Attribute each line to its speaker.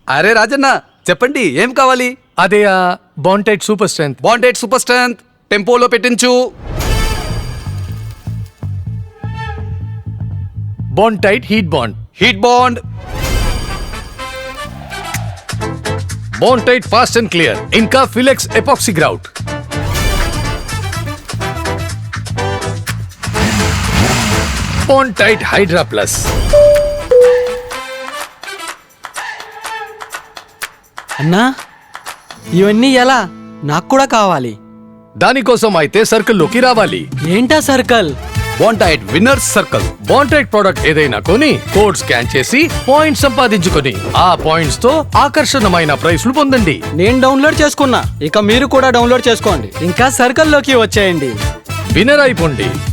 Speaker 1: అరే రాజన్న చెప్పండి ఏం కావాలి?
Speaker 2: అదే Bontite super strength.
Speaker 1: Bontite super strength టెంపోలో పెట్టించు.
Speaker 2: Bontite heat bond.
Speaker 1: Heat bond.
Speaker 2: Bontite fast and clear. ఇంకా ఫిలెక్స్ epoxy grout. Bontite hydra plus.
Speaker 3: అన్నా ఇవన్నీ ఎలా? నాకు కూడా కావాలి.
Speaker 2: దానికోసం అయితే సర్కిల్లోకి రావాలి.
Speaker 3: ఏంటా circle?
Speaker 1: Bontite winners circle.
Speaker 2: Bontite product ఏదైనా కొని కోడ్ స్కాన్ చేసి పాయింట్స్ సంపాదించుకొని ఆ పాయింట్స్ తో ఆకర్షణమైన ప్రైస్లు పొందండి.
Speaker 3: నేను డౌన్లోడ్ చేసుకున్నా, ఇక మీరు కూడా డౌన్లోడ్ చేసుకోండి. ఇంకా సర్కిల్లోకి వచ్చేయండి.
Speaker 2: విన్నర్ అయిపోండి.